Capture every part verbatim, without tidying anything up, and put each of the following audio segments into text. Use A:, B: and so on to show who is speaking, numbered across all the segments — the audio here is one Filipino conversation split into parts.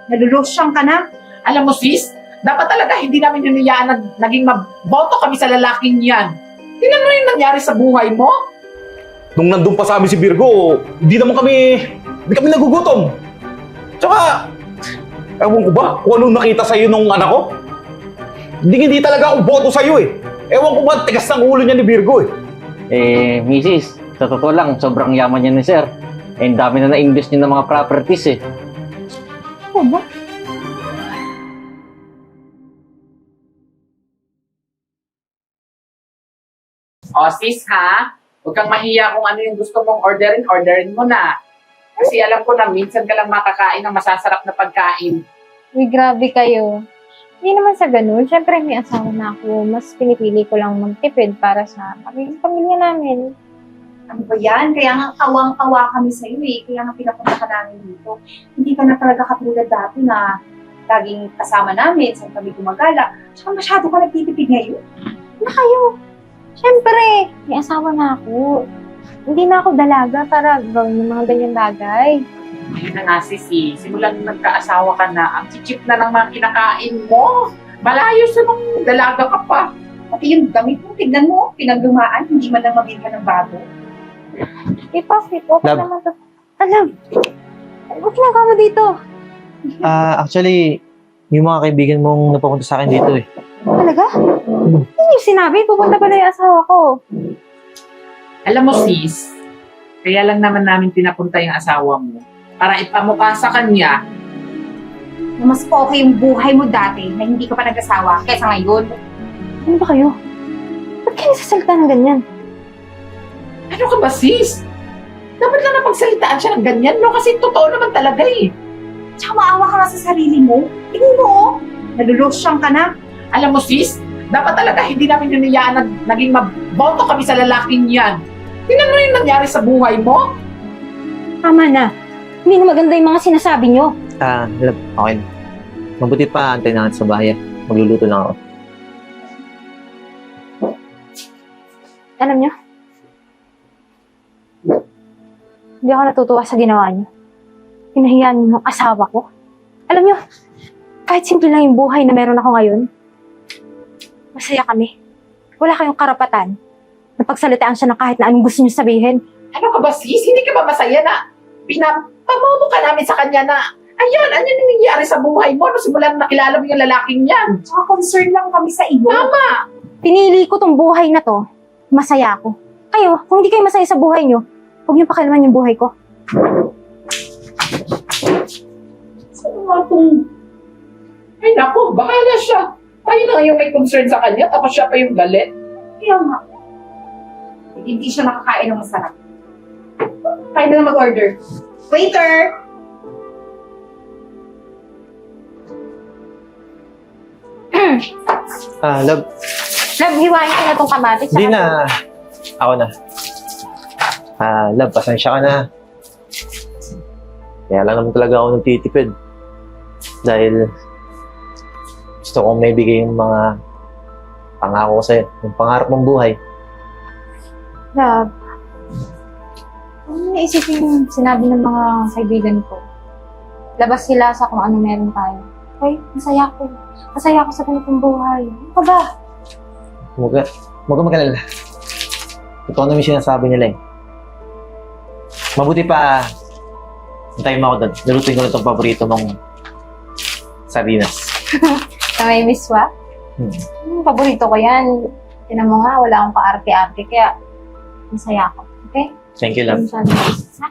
A: Nalulusyang ka na.
B: Alam mo sis, dapat talaga hindi namin hinayaan na naging maboto kami sa lalaking yan. Tingnan mo yung nangyari sa buhay mo.
C: Nung nandun pa sa amin si Virgo, hindi naman kami, hindi kami nagugutom. Tsaka, ewan ko ba kung anong nakita sa'yo nung anak ko? Hindi hindi talaga ako boto sa'yo eh. Ewan ko ba, tigas ng ulo niya ni Virgo eh.
D: Eh, misis, sa totoo lang, sobrang yaman niya ni sir. Eh, ang dami na na-invest niya ng mga properties eh.
A: Ano ba?
B: O sis ha, huwag kang mahiya kung ano yung gusto mong orderin, orderin mo na. Kasi alam ko na minsan ka lang makakain ng masasarap na pagkain.
E: Uy, grabe kayo. Hindi naman sa ganun. Siyempre, may asawa na ako. Mas pinipili ko lang magtipid para sa pamilya, pamilya namin.
A: Ano ba yan? Kaya nga kawang-kawa kami sa'yo eh. Kaya nga pinapunta ka namin dito. Hindi ka na talaga katulad dati na laging kasama namin, saan kami gumagala. Tsaka masyado ka nagtitipid ngayon.
E: Na kayo. Siyempre, may asawa na ako. Hindi na ako dalaga para gawin ng mga ganyan bagay.
B: Ayun na nga sis eh, simulan nung nagkaasawa ka na, ang chichip na ng mga kinakain mo. Malayo sa nung dalaga ka pa.
A: Pati yung damit mo, tignan mo, pinaglumaan, hindi man lang mabili ka ng bago.
E: Eh, bakit? Okay
F: Love.
E: naman to. Alam, huwag ginagawa mo dito.
F: Ah, actually, yung mga kaibigan mong napapunta sa akin dito eh.
E: Talaga? Hindi yung sinabi, pupunta pala yung asawa ko.
B: Alam mo sis, kaya lang naman namin pinapunta yung asawa mo para ipamukha sa kanya.
A: Na mas okay yung buhay mo dati na hindi ka pa nag-asawa kaysa ngayon.
E: Ano ba kayo? Ba't kayo sasalita ng ganyan?
B: Ano ka ba sis? Dapat lang napagsalitaan siya ng ganyan, no? Kasi totoo naman talaga eh.
A: Tsaka maawa ka nga sa sarili mo. Tingnan mo, oh. Nalulusyang ka na.
B: Alam mo sis, dapat talaga hindi namin hinayaan na naging maboto kami sa lalaking yan. Tingnan mo yung nangyari sa buhay mo.
E: Tama na. Hindi na maganda yung mga sinasabi nyo.
F: Ah, love, okay na. Mabuti pa, antay na natin sa bahay. Magluluto lang ako.
E: Alam nyo? Hindi ako natutuwa sa ginawa nyo. Pinahiyaan nyo yung asawa ko. Alam nyo, kahit simple lang yung buhay na meron ako ngayon, masaya kami. Wala kayong karapatan na pagsalitaan siya ng kahit na anong gusto nyo sabihin.
B: Ano ka ba sis? Hindi ka ba masaya na pinapamomo ka namin sa kanya na ayan, ano yung nangyayari sa buhay mo? No, simulan na nakilala mo yung lalaking yan.
A: Tsaka concern lang kami sa iyo.
B: Tama!
E: Pinili ko tong buhay na to, masaya ako. Kayo, kung hindi kayo masaya sa buhay nyo, huwag nyo pakialaman yung buhay ko.
B: Saan nga itong... Ay naku, bahala siya. Tayo na yung may concern sa kanya, tapos siya pa yung galit.
A: Kaya nga. Hindi siya nakakain ng masarap. Tayo na mag-order. Waiter!
F: Ah, love,
E: Love, hiwain ko na tong kamatis.
F: hindi na. Ako na. Ah, love, pasensya ka na. Kaya lang naman talaga ako nagtitipid. Dahil gusto kong may bigay yung mga pangako ko sa'yo. Yung pangarap mong buhay.
E: Love, ano naisipin yung sinabi ng mga kaibigan ko? Labas sila sa kung ano meron tayo. Okay, masaya ko. Masaya ako sa ganitong buhay. Ano ka ba?
F: Huwag ka, huwag ka mag-alala. Totoo naman yung sinasabi nila eh. Mabuti pa, antayin mo ako doon. Nalutuin ko na itong paborito mong sardinas.
E: Na may miswa?
F: Hmm.
E: Hmm, paborito ko yan. Tinan mo nga, wala akong kaarte-arte, kaya masaya ako. Okay?
F: Thank you, love.
E: Sabi ko, ha?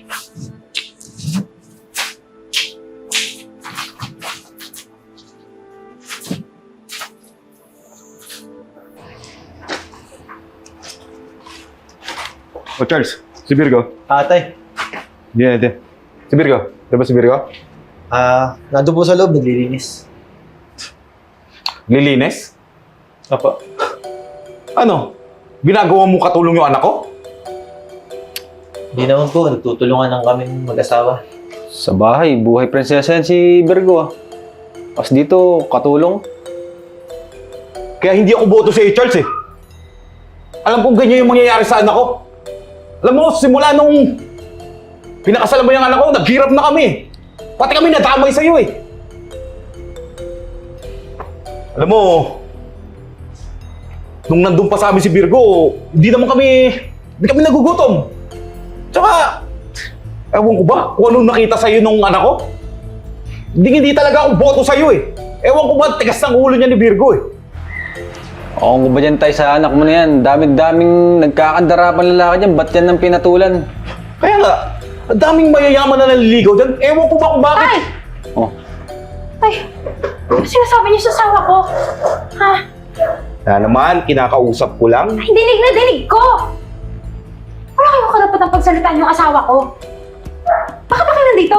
C: Oh, Charles, si Virgo.
F: Atay,
C: Hindi natin. Si Virgo. Diba si Virgo?
F: ah, nandun po sa loob, naglilinis.
C: Lilinis?
F: Opo.
C: Ano? Ginagawa mo katulong yung anak ko?
F: Hindi naman po, nagtutulungan lang kami mag-asawa.
G: Sa bahay, buhay prinsesa yan si Virgo ah. Tapos dito, katulong.
C: Kaya hindi ako boto sa Charles eh. Alam kong ganyan yung mangyayari sa anak ko. Alam mo, simula nung pinakasalan mo yung anak ko, naghirap na kami. Pati kami nadamay sa'yo eh. Alam mo, nung nandun pa sa amin si Virgo, hindi naman kami, hindi kami nagugutom. Tsaka, ewan ko ba kung anong nakita sa'yo nung anak ko? Hindi, hindi talaga ako boto sa'yo eh. Ewan ko ba, tigas ng ulo niya ni Virgo eh.
G: Oo, kung ba dyan tayo sa anak mo na yan? Dami-daming nagkakandarapan lalaki dyan. Ba't yan ng pinatulan?
C: Kaya nga, ang daming mayayaman na naliligaw dyan. Ewan ko ba kung bakit.
E: Tay!
G: Oh,
E: Tay! Ano sinasabi niyo sa asawa ko? Ha?
C: Na naman, kinakausap ko lang.
E: Ay, dinig na dinig ko! Wala kayong karapatang pagsalitaan yung asawa ko. Bakit ba kayo nandito?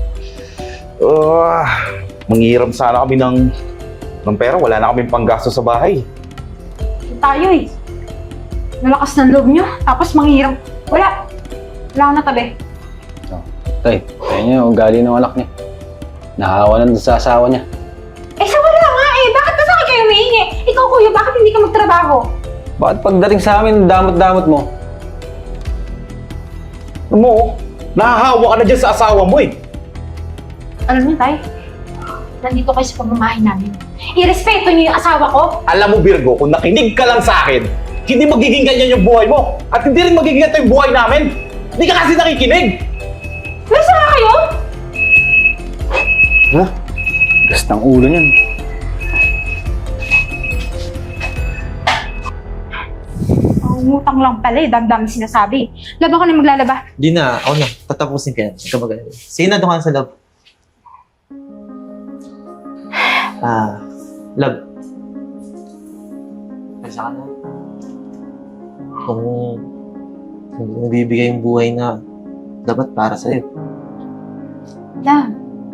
C: Uh, manghiram sana kami ng, ng pera. Wala na kaming panggasto sa bahay.
E: Tayo eh. Nalakas ng loob niyo, tapos manghiram. Wala. Wala akong natabi.
G: tay, kaya niya, ugali ng anak niya. Nakahawa na sa asawa niya.
E: Eh, sa wala nga eh. Bakit ba sa akin kayo humihingi? Ikaw, kuya, bakit hindi ka magtrabaho?
G: Bakit pagdating sa amin, damot-damot mo?
C: Alam mo, nahahawa ka na dyan sa asawa mo eh.
E: Alam niyo, Tay, nandito kayo sa pamamahay namin. Irespeto niyo yung asawa ko.
C: Alam mo, Virgo, kung nakinig ka lang sa akin, hindi magiging ganyan yung buhay mo. At hindi rin magiging ganito yung buhay namin. Hindi ka kasi nakikinig.
E: Nasa nga kayo?
G: Ha? Gas ng ulo niyan.
E: Umutang lang pala eh. Dam-dami sinasabi. Laba ko na maglalaba.
F: Di na, ako na. Tatapusin ka yan. Huwag ka mag-alala. Sige na, doon ka na sa love. Ah, love. Kaysa ka na. Kung hindi nabibigay yung buhay na dapat para sa'yo.
E: Love.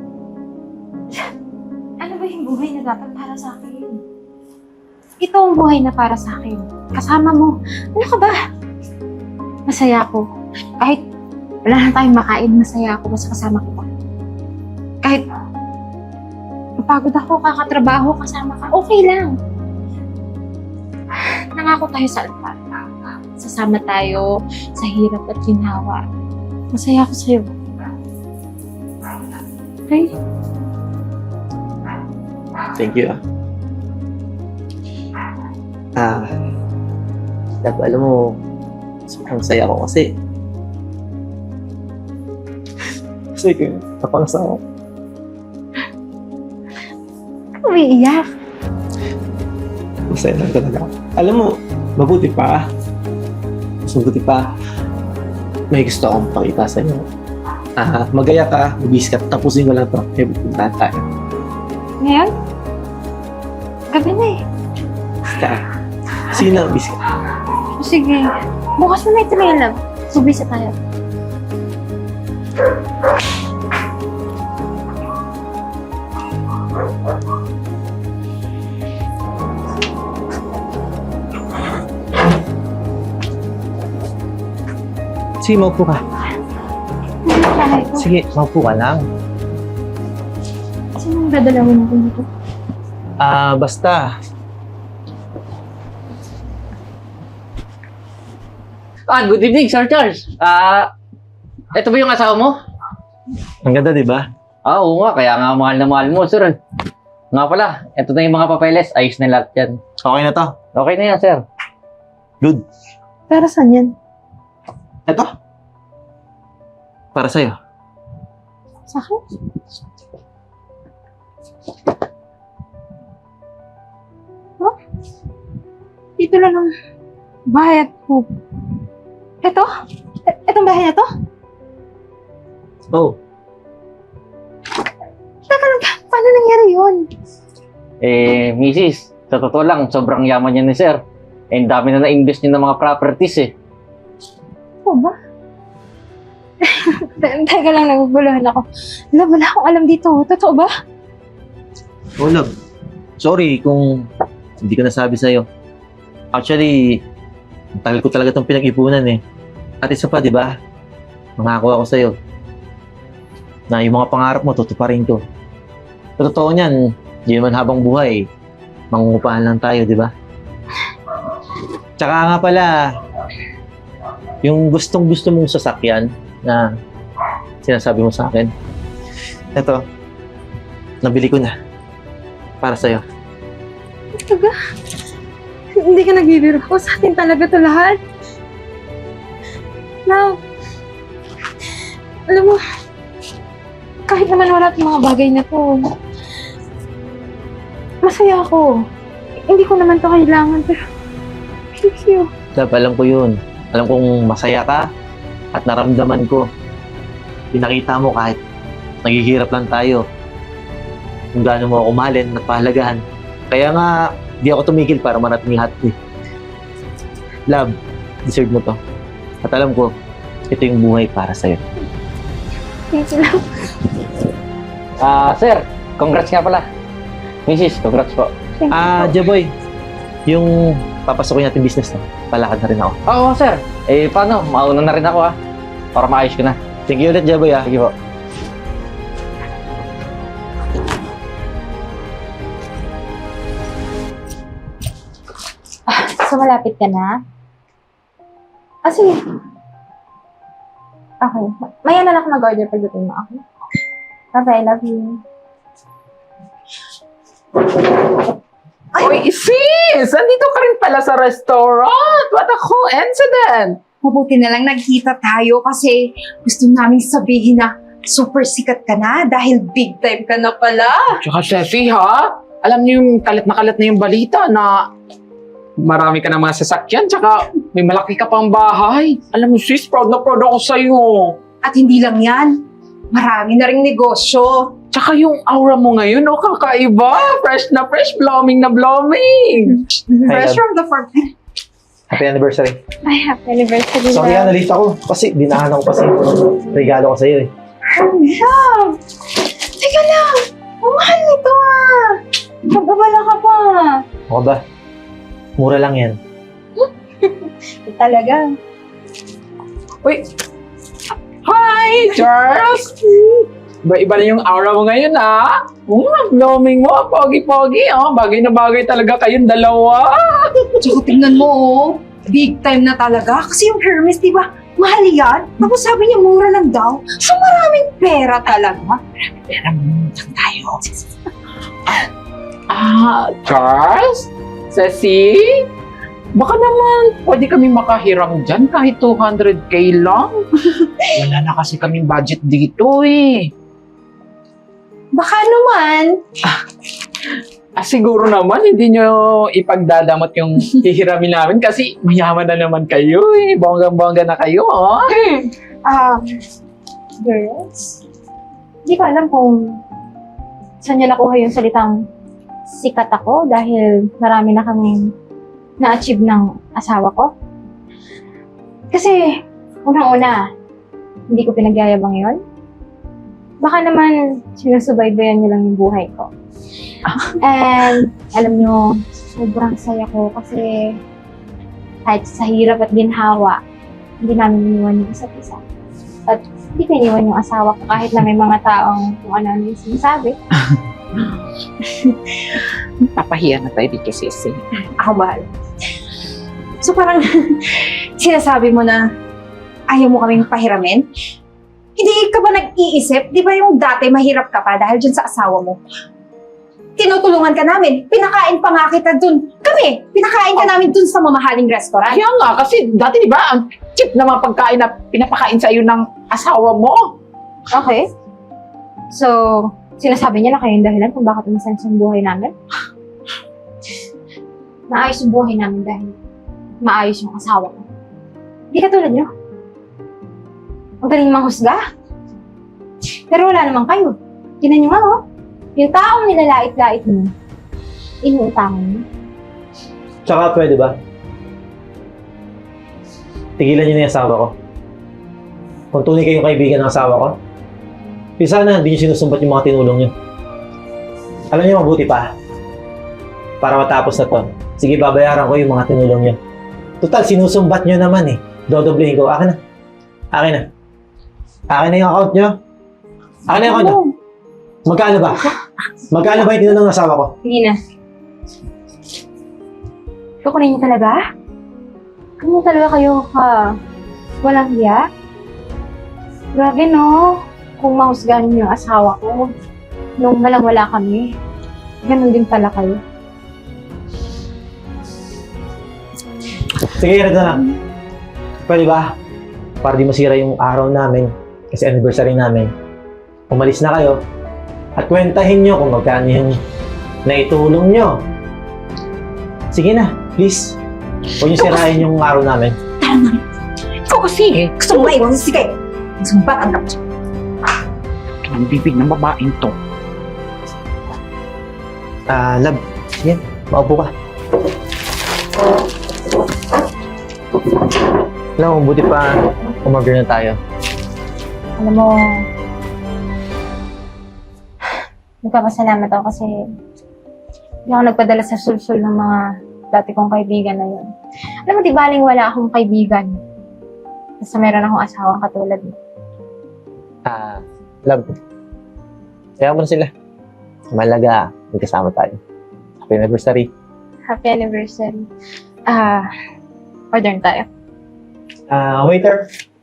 E: Ano ba yung buhay na dapat para sa akin? Ito ang buhay na para sa akin. Kasama mo. Ano ka ba? Masaya ako. Kahit wala na tayong makain, masaya ako basta kasama kita. Kahit mapagod ako, kakatrabaho, kasama ka, okay lang. Nangako tayo sa altar. Sasama tayo sa hirap at ginhawa. Masaya ako sa'yo. Okay?
F: Thank you, ah. Ah, love, alam mo, sobrang saya ko kasi. Kasi kayo, napangasawa ko.
E: Umiiyak.
F: Masaya lang talaga ako. Alam mo, mabuti pa. Mas mabuti pa. May gusto akong pakita sa inyo. Ah, magaya ka, mabis ka, tapusin ko lang ito. May pupuntahan tayo.
E: Ngayon? Gabi na eh.
F: Basta, sige na, mabis ka.
E: Sige. Bukas mo na ito na yun, love. Subisa tayo.
F: Sige, maupo ka.
E: Tayo.
F: Sige, maupo ka lang.
E: Sinong dadalawin natin dito?
F: Ah, basta.
D: Ah, good evening, Sir Charles. Ah, ito ba yung asawa mo?
F: Ang ganda, di ba?
D: Ah, oo nga, kaya nga mahal na mahal mo, sir. Nga pala, ito na yung mga papeles. Ayos na lahat yan.
F: Okay na to.
D: Okay na yan, sir.
F: Good.
E: Para saan yan?
F: Ito. Para sa'yo.
E: Sa akin? Huh? Dito lang ang bahay at po. Ito? E- Itong bahay na to?
F: Oh,
E: Teka lang, paano nangyari yun?
D: Eh, misis, sa totoo lang, sobrang yaman yan ni sir. Eh, ang dami na na-invest niyo ng mga properties eh.
E: Oo ba? Te- Teka lang, naguguluhan ako. Wala, wala akong alam dito. Totoo ba?
F: oh love. Sorry kung hindi ko nasabi sa'yo. Actually, ang tagal ko talaga itong pinag-ipunan eh. At isa pa, di ba? Mangako ako sa'yo na yung mga pangarap mo, tutuparin ko. Sa totoo niyan, di naman habang buhay, mangungupahan lang tayo, di ba? Tsaka nga pala, yung gustong gusto mong sasakyan na sinasabi mo sa akin, Ito, nabili ko na. Para sa'yo.
E: Talaga? Hindi ka nagbibiro ko. Sa atin talaga to lahat. Now, alam mo, kahit naman wala itong mga bagay na to, masaya ako. Hindi ko naman to kailangan, pero thank you.
F: Love, alam ko yun. Alam kong masaya ka at naramdaman ko. Pinakita mo kahit naghihirap lang tayo. Kung gaano mo ako mahalin at pahalagahan. Kaya nga, di ako tumigil para marating lahat eh. Love, deserve mo to. At alam ko, ito yung buhay para sa'yo.
E: Thank you, love.
D: Ah, sir, congrats nga pala. Missus, congrats po.
E: Thank you.
F: Ah, Jaboy, yung papasokin natin business na, palakad na rin ako.
D: Oo, sir. Eh, paano? Mauna na rin ako ha. Para maayos ko na.
F: Thank you ulit, Jaboy ah.
D: Sige po.
E: So, malapit ka na? Ah, sige. Okay. Maya na lang ako mag-order pagdating mo. Okay? Bye-bye. I love you.
B: Uy, sis! Andito ka rin pala sa restaurant! What a coincidence!
A: Mabuti na lang nagkita tayo kasi gusto namin sabihin na super sikat ka na dahil big time ka na pala.
B: Tsaka, Steffi, ha? Alam niyo yung kalat na kalat na yung balita na marami ka ng mga sasakyan, tsaka may malaki ka pang bahay. Alam mo, sis, proud na proud ako sa'yo.
A: At hindi lang yan, marami na ring negosyo.
B: Tsaka yung aura mo ngayon, oh, kakaiba. Fresh na fresh, blooming na blooming.
A: Fresh
F: love.
A: from the farm.
F: Happy anniversary.
E: Ay, happy anniversary,
F: Sorry ah,
E: love.
F: nalita ko. Kasi dinahan ako kasi regalo ko sa'yo eh.
E: Love! Teka lang! Ang mahal nito ah! Magbabala ka pa.
F: Ako ba? Mura lang yan.
E: Talaga.
B: Uy! Hi, Charles! Iba-iba na yung aura mo ngayon, ha? Um, blooming mo, pogi-pogi, oh. Bagay na bagay talaga kayong dalawa.
A: Tsaka tingnan mo, oh. Big time na talaga. Kasi yung Hermes, di ba? Mahal yan. Tapos sabi niya, mura lang daw. So maraming pera talaga.
B: Pera mo, tayo. Ah, Charles? Ceci? Baka naman, pwede kami makahiram dyan kahit two hundred k lang. Wala na kasi kaming budget dito eh.
A: Baka naman.
B: Ah, siguro naman, hindi nyo ipagdadamot yung hihiramin namin kasi mayaman na naman kayo eh. Bonggang-bongga na kayo, oh.
E: Ah, girls, hindi ko alam kung saan niyo nakuha yung salitang sikat ako dahil marami na kaming na-achieve ng asawa ko. Kasi, unang-una, hindi ko pinagyayabang yon. Baka naman, sinusubaybayan niyo lang yung buhay ko. And, alam nyo, sobrang saya ko kasi kahit sa hirap at ginhawa, hindi namin iniwan yung isa't isa. At hindi ko iniwan yung asawa ko kahit na may mga taong kung ano-ano yung sinasabi.
B: Papahiya na tayo dito, Sisi.
A: Ako bahal. So parang sinasabi mo na ayaw mo kaming pahiramin? Hindi ka ba nag-iisip? Di ba yung dati mahirap ka pa dahil dyan sa asawa mo? Tinutulungan ka namin. Pinakain pa nga kita dun. Kami, pinakain ka namin dun sa mamahaling restaurant.
B: Kaya nga, kasi dati di ba, ang cheap na mga pagkain na pinapakain sa iyo ng asawa mo.
E: Okay. So, sinasabi niya na kayo yung dahilan kung bakit umasan sa buhay namin? Maayos yung buhay namin dahil maayos yung asawa ko. Hindi katulad niyo. Ang galing manghusga. Pero wala naman kayo. Tinan niyo nga, oh. Yung taong nilalait-lait mo, inuutangan mo.
F: Tsaka pwede ba? Tigilan niyo na yung asawa ko. Kung tunay kayong kaibigan ng asawa ko, eh sana hindi niyo sinusumbat yung mga tinulong niyo. Alam niyo mabuti pa. Para matapos na to, sige babayaran ko yung mga tinulong niyo. Total, sinusumbat niyo naman eh. Dodoblehin ko. Akin na. Akin na. Akin na yung account niyo. Akin na yung account niyo. Magkano ba? Magkano ba yung tinulong ng asawa ko?
E: Hindi na. Kukunin niyo talaga? Ano talaga kayo ka? Walang hiya? Grabe no? kung mahusgahan niyo yung asawa ko, nung walang-wala kami, ganun din pala kayo.
F: Sige, ganito na. Pwede ba? Para di masira yung araw namin, kasi anniversary namin. Umalis na kayo at kwentahin nyo kung magkano yung naitulong nyo. Sige na, please. Huwag nyo sirain yung araw namin.
A: Ikaw kasi eh. Gusto mo maiwan si Sige. Sumbat ang kapatid.
B: Ang bibig ng babaeng to.
F: Ah, love. Sige, maupo ka. Alam mo, buti pa umorder na tayo.
E: Alam mo, nagpapasalamat ako kasi hindi ako nagpadala sa sulsul ng mga dati kong kaibigan na yun. Alam mo, di baling wala akong kaibigan. Basta meron akong asawang katulad mo.
F: Ah, love. Kaya mo na sila. Malaga, magkasama tayo. Happy anniversary.
E: Happy anniversary. Ah, order na tayo.
F: Ah, waiter.